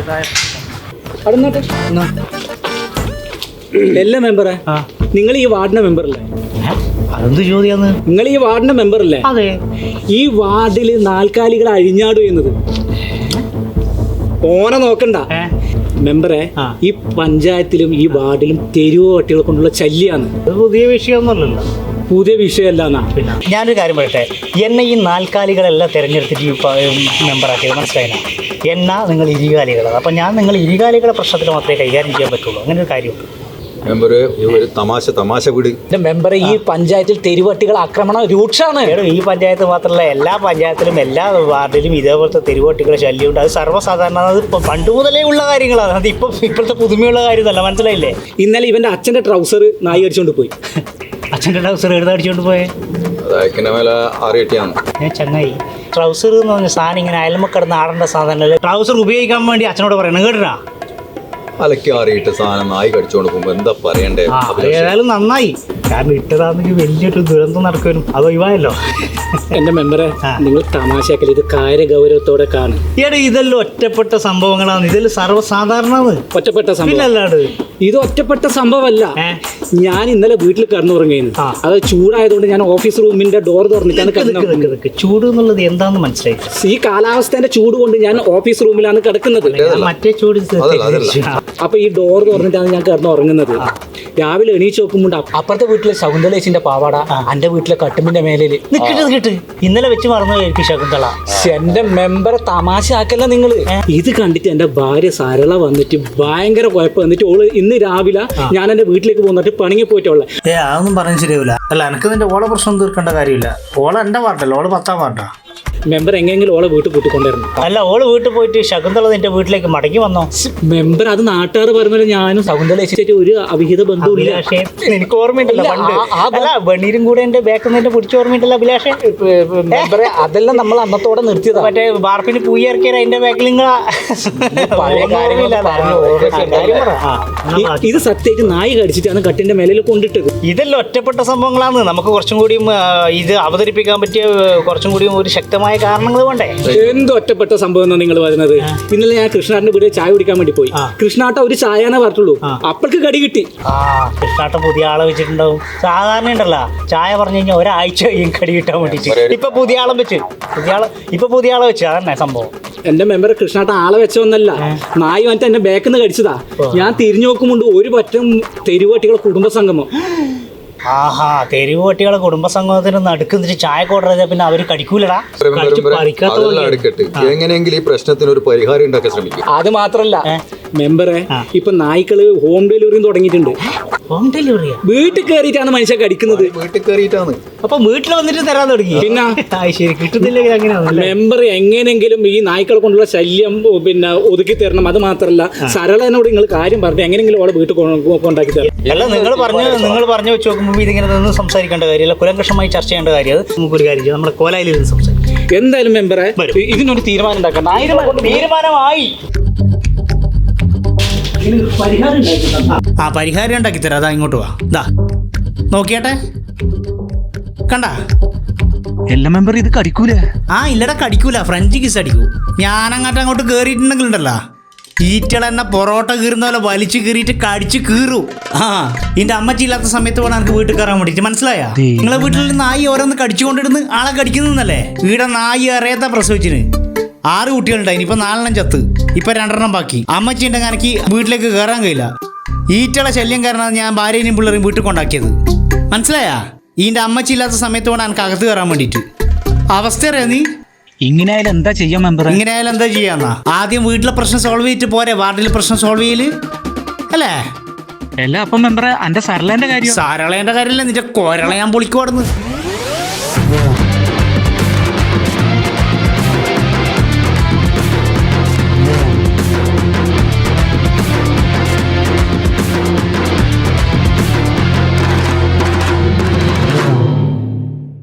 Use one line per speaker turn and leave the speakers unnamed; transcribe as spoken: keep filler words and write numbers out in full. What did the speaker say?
എല്ലാ മെമ്പറെ നിങ്ങൾ ഈ വാർഡിന്റെ മെമ്പറല്ലേ?
അതെന്ത് ചോദ്യാന്ന്?
നിങ്ങൾ ഈ വാർഡിന്റെ മെമ്പറല്ലേ?
അതെ.
ഈ വാർഡിൽ നാൽക്കാലികൾ അഴിഞ്ഞാടും എന്നത് ഓനെ നോക്കണ്ട മെമ്പറെ. ഈ പഞ്ചായത്തിലും ഈ വാർഡിലും തെരുവ് പട്ടികളെ കൊണ്ടുള്ള ശല്യാണ്.
പുതിയ വിഷയമൊന്നുമല്ലല്ലോ.
പുതിയ വിഷയമല്ല എന്നാ.
ഞാനൊരു കാര്യം പറയട്ടെ, എന്നെ ഈ നാൽക്കാലികളെല്ലാം തിരഞ്ഞെടുത്തിട്ട് മെമ്പറാക്കിയത് മനസ്സിലായില്ല. എന്നാ നിങ്ങൾ ഇരുകാലികളാണ്. അപ്പം ഞാൻ നിങ്ങൾ ഇരുകാലികളെ പ്രശ്നത്തിൽ മാത്രമേ കൈകാര്യം ചെയ്യാൻ പറ്റുള്ളൂ. അങ്ങനെ ഒരു കാര്യമുണ്ട്.
മെമ്പറ് ഒരു തമാശ തമാശ വിട്.
മെമ്പറെ, ഈ പഞ്ചായത്തിൽ തെരുവട്ടികൾ ആക്രമണം രൂക്ഷമാണ്.
ഈ പഞ്ചായത്ത് മാത്രമല്ല, എല്ലാ പഞ്ചായത്തിലും എല്ലാ വാർഡിലും ഇതേപോലത്തെ തെരുവട്ടികളെ ശല്യമുണ്ട്. അത് സർവ്വസാധാരണ, അത് പണ്ട് മുതലേ ഉള്ള കാര്യങ്ങളാണ്. അത് ഇപ്പം ഇപ്പോഴത്തെ പുതുമയുള്ള കാര്യമല്ല, മനസ്സിലായില്ലേ?
ഇന്നലെ ഇവന്റെ അച്ഛന്റെ ട്രൗസർ നായി അടിച്ചോണ്ട് പോയി.
അച്ഛൻ്റെ ട്രൗസർ എടുത്ത് അടിച്ചോണ്ട് പോയേ? ഞാൻ ചങ്ങായി, ട്രൗസർ എന്ന് പറഞ്ഞ സാധനം ഇങ്ങനെ അയൽമക്കിടന്ന് ആടേണ്ട സാധനം. ട്രൗസർ ഉപയോഗിക്കാൻ വേണ്ടി അച്ഛനോട് പറയണം, കേട്ടാ?
അലക്കി ആറിയിട്ട് സാധനം നായി കടിച്ചോണ്ട് പോകുമ്പോ എന്താ പറയണ്ടേ?
ഏതായാലും നന്നായി, കാരണം ഇട്ടതാണെങ്കിൽ വലിയൊരു ദുരന്തം നടക്കുവരും. അത് ഒഴിവായല്ലോ.
എന്റെ മെമ്പറെ, നിങ്ങൾ തമാശയാക്കല്, ഇത് കാര്യഗൗരവത്തോടെ കാണും.
ഈയിടെ ഇതെല്ലാം ഒറ്റപ്പെട്ട സംഭവങ്ങളാണ്. ഇതെല്ലാം സർവ്വസാധാരണമാണ്.
ഒറ്റപ്പെട്ട സംഭവം
അല്ലാണ്ട്
ഇത് ഒറ്റപ്പെട്ട സംഭവമല്ല. ഞാൻ ഇന്നലെ വീട്ടിൽ കിടന്നുറങ്ങുന്നു. അത് ചൂടായതുകൊണ്ട് ഞാൻ ഓഫീസ് റൂമിന്റെ ഡോർ തുറന്നിട്ടാണ് കിടക്കുന്നത്.
ചൂട് എന്നുള്ളത് എന്താണെന്ന് മനസ്സിലായി.
ഈ കാലാവസ്ഥന്റെ ചൂട് കൊണ്ട് ഞാൻ ഓഫീസ് റൂമിലാണ് കിടക്കുന്നത്.
മറ്റേ ചൂട്.
അപ്പൊ ഈ ഡോർ തുറന്നിട്ടാണ് ഞാൻ കിടന്നുറങ്ങുന്നത്. രാവിലെ എണീച്ച് നോക്കുമ്പോൾ അപ്പുറത്തെ വീട്ടിലെ ശകുന്തളേച്ചിന്റെ പാവാട എന്റെ വീട്ടിലെ കട്ടുമ്പിന്റെ മേലില്
കിട്ടുന്നത് കിട്ട്. ഇന്നലെ വെച്ച് മറന്നു ശകുന്തള.
എന്റെ മെമ്പറെ തമാശ ആക്കല്ല നിങ്ങള്. ഇത് കണ്ടിട്ട് എന്റെ ഭാര്യ സരള വന്നിട്ട് ഭയങ്കര കുഴപ്പം വന്നിട്ട് ഓള് ഇന്ന് രാവിലെ ഞാൻ എന്റെ വീട്ടിലേക്ക് പോന്നിട്ട് പണിങ്ങി പോയിട്ടുള്ള.
ഏ അതൊന്നും പറഞ്ഞു ശരിയാവില്ല. അല്ല, എനിക്ക് നിന്റെ ഓളെ പ്രശ്നം തീർക്കേണ്ട കാര്യമില്ല. ഓള എന്റെ വാർഡല്ല, ഓള് പത്താം വാർഡാ.
മെമ്പർ എങ്ങനെയെങ്കിലും ഓളെ വീട്ടിൽ കൂട്ടിക്കൊണ്ടിരുന്നു.
അല്ല, ഓള് വീട്ടിൽ പോയിട്ട് ശകുന്തള നിന്റെ വീട്ടിലേക്ക് മടങ്ങി വന്നോ?
മെമ്പർ, അത് നാട്ടുകാർ പറഞ്ഞാൽ ഞാനും ശകുന്തള ഒരു അവിഹിത ബന്ധുവില്ല.
എനിക്ക് ഓർമ്മയുണ്ടല്ലോ പണ്ട്. അല്ല, വെണ്ണീരും കൂടെ എന്റെ ബാക്കിൽ നിന്ന് പിടിച്ച ഓർമ്മയുണ്ടല്ലോ അഭിലാഷേ?
മെമ്പറെ, അതെല്ലാം നമ്മൾ അന്നത്തോടെ നിർത്തിയതാ.
മറ്റേ ബാർപ്പിന് പൂയി ഇറക്കിയ അതിന്റെ ബാക്കിൽ നിങ്ങളാ
ഇത് സത്യമായിട്ട് നായി കടിച്ചിട്ടാണ് കട്ടിന്റെ മേലിൽ കൊണ്ടിട്ടത്.
ഇതെല്ലാം ഒറ്റപ്പെട്ട സംഭവങ്ങളാണ്. നമുക്ക് കുറച്ചും കൂടിയും ഇത് അവതരിപ്പിക്കാൻ പറ്റിയ കുറച്ചും കൂടിയും ഒരു ശക്തമായ കാരണങ്ങൾ വേണ്ടേ?
എന്ത് ഒറ്റപ്പെട്ട സംഭവം എന്നാ നിങ്ങൾ പറയുന്നത്? ഇന്നലെ ഞാൻ കൃഷ്ണാട്ടന്റെ വീട്ടിൽ ചായ കുടിക്കാൻ വേണ്ടി പോയി. കൃഷ്ണാട്ട ഒരു ചായനെ പറഞ്ഞുള്ളൂ, അപ്പൾക്ക് കടി കിട്ടി.
ആ കൃഷ്ണാട്ട പുതിയ ആളെ വെച്ചിട്ടുണ്ടാവും. സാധാരണ ഉണ്ടല്ലോ, ചായ പറഞ്ഞു കഴിഞ്ഞാൽ ഒരാഴ്ച കഴിയും കടി കിട്ടാൻ വേണ്ടിട്ട്. ഇപ്പൊ പുതിയ ആളെ വെച്ച് പുതിയ ആളെ ഇപ്പൊ പുതിയ ആളെ വെച്ച് അതന്നെ സംഭവം.
എന്റെ മെമ്പർ, കൃഷ്ണാട്ട ആളെ വെച്ചൊന്നല്ല, നായി വന്നിട്ട് എന്റെ ബാക്കിൽ നിന്ന് കടിച്ചതാ. ഞാൻ തിരിഞ്ഞു നോക്കുമ്പോണ്ട് ഒരു പറ്റം തെരുവട്ടികളെ കുടുംബസംഗമം.
ആഹാ, തെരുവ് പട്ടികളെ കുടുംബസംഗമത്തിന് നടുക്കുന്നിട്ട് ചായ ഓർഡർ ചെയ്താൽ പിന്നെ അവര് കടിക്കൂലടാ.
എങ്ങനെയെങ്കിലും ഈ പ്രശ്നത്തിന് ഒരു പരിഹാരം ഉണ്ടാക്കാൻ ശ്രമിക്കും.
അത് മാത്രല്ല മെമ്പറെ, ഇപ്പൊ നായ്ക്കള് ഹോം ഡെലിവറിയും തുടങ്ങിയിട്ടുണ്ട്.
ഹോം ഡെലിവറിയാ?
വീട്ടിൽ കയറിയിട്ടാണ് മനുഷ്യൻ കടിക്കുന്നത്.
വീട്ടിൽ കയറിയിട്ടാണ്.
അപ്പൊ വീട്ടിൽ വന്നിട്ട് തരാൻ തുടങ്ങി.
പിന്നെ
ശരി, കിട്ടുന്നില്ലെങ്കിൽ അങ്ങനെയാണ്.
മെമ്പർ, എങ്ങനെയെങ്കിലും ഈ നായ്ക്കളെ കൊണ്ടുള്ള ശല്യം പിന്നെ ഒതുക്കി തരണം. അത് മാത്രല്ല, സരളനോട് നിങ്ങൾ കാര്യം പറഞ്ഞു എങ്ങനെയെങ്കിലും അവളെ വീട്ടിൽ കൊണ്ടാക്കി തരണം.
അല്ല, നിങ്ങൾ പറഞ്ഞു നിങ്ങൾ പറഞ്ഞു വെച്ച് നോക്കുമ്പോൾ ഇതിങ്ങനെ നിന്ന് സംസാരിക്കേണ്ട കാര്യമല്ല, കുലങ്കഷമായി ചർച്ച ചെയ്യേണ്ട കാര്യം. അത് നമുക്കൊരു കാര്യം ചെയ്യാം, നമ്മുടെ കോലായിൽ നിന്ന് സംസാരിക്കും.
എന്തായാലും മെമ്പറെ, ഇതിനൊരു തീരുമാനം ഉണ്ടാക്കണം.
തീരുമാനമായി. ആ പരിഹാരം ഉണ്ടാക്കി തരാം. അതാ ഇങ്ങോട്ട് വാ. ഇതാ നോക്കിയാട്ടെ, കണ്ടാ?
എല്ലാ മെമ്പർ ഇത് കടിക്കൂല.
ആ ഇല്ലടാ, കടിക്കൂല. French kiss അടിക്കൂ. ഞാനങ്ങോട്ട് അങ്ങോട്ട് കയറിയിട്ടുണ്ടെങ്കിൽ ഉണ്ടല്ലോ, ഈറ്റളെന്നെ പൊറോട്ട കീറുന്ന പോലെ വലിച്ചു കീറിയിട്ട് കടിച്ച് കീറൂ. ആ ഇതിന്റെ അമ്മച്ചി ഇല്ലാത്ത സമയത്ത് വേണം എനിക്ക് വീട്ടിൽ കയറാൻ വേണ്ടിട്ട്. മനസ്സിലായാ? നിങ്ങളെ വീട്ടിൽ നായി ഓരോന്ന് കടിച്ചുകൊണ്ടിരുന്ന് ആളെ കടിക്കുന്നല്ലേ? ഇവിടെ നായി അറിയാത്ത പ്രസവിച്ചിന് ആറ് കുട്ടികളുണ്ടായി. ഇപ്പൊ നാലെണ്ണം ചത്ത്, ഇപ്പൊ രണ്ടെണ്ണം ബാക്കി. അമ്മച്ചി ഉണ്ടെങ്കിൽ എനിക്ക് വീട്ടിലേക്ക് കയറാൻ കഴിയില്ല. ഈറ്റളെ ശല്യം കാരണമാണ് ഞാൻ ഭാര്യയും പിള്ളേരും വീട്ടിൽ കൊണ്ടാക്കിയത്. മനസ്സിലായാ? ഇതിന്റെ അമ്മച്ചി ഇല്ലാത്ത സമയത്ത് വേണം എനിക്ക് അകത്ത് കയറാൻ വേണ്ടിട്ട്. അവസ്ഥ അറിയാ നീ?
ഇങ്ങനെ ആയാലും എന്താ ചെയ്യാൻ മെമ്പർ?
ഇങ്ങനെ ആയാലും എന്താ ചെയ്യാന്നാ? ആദ്യം വീട്ടിലെ പ്രശ്നം സോൾവ് ചെയ്തിട്ട് പോരെ വാർഡിലെ പ്രശ്നം സോൾവ് ചെയ്യല് അല്ലേ?
അല്ല, അപ്പം മെമ്പറെ, എന്റെ സരളേന്റെ കാര്യം?
സരളേന്റെ കാര്യമല്ല, നിന്റെ കൊരള ഞാൻ പൊളിക്കുവാടുന്നു.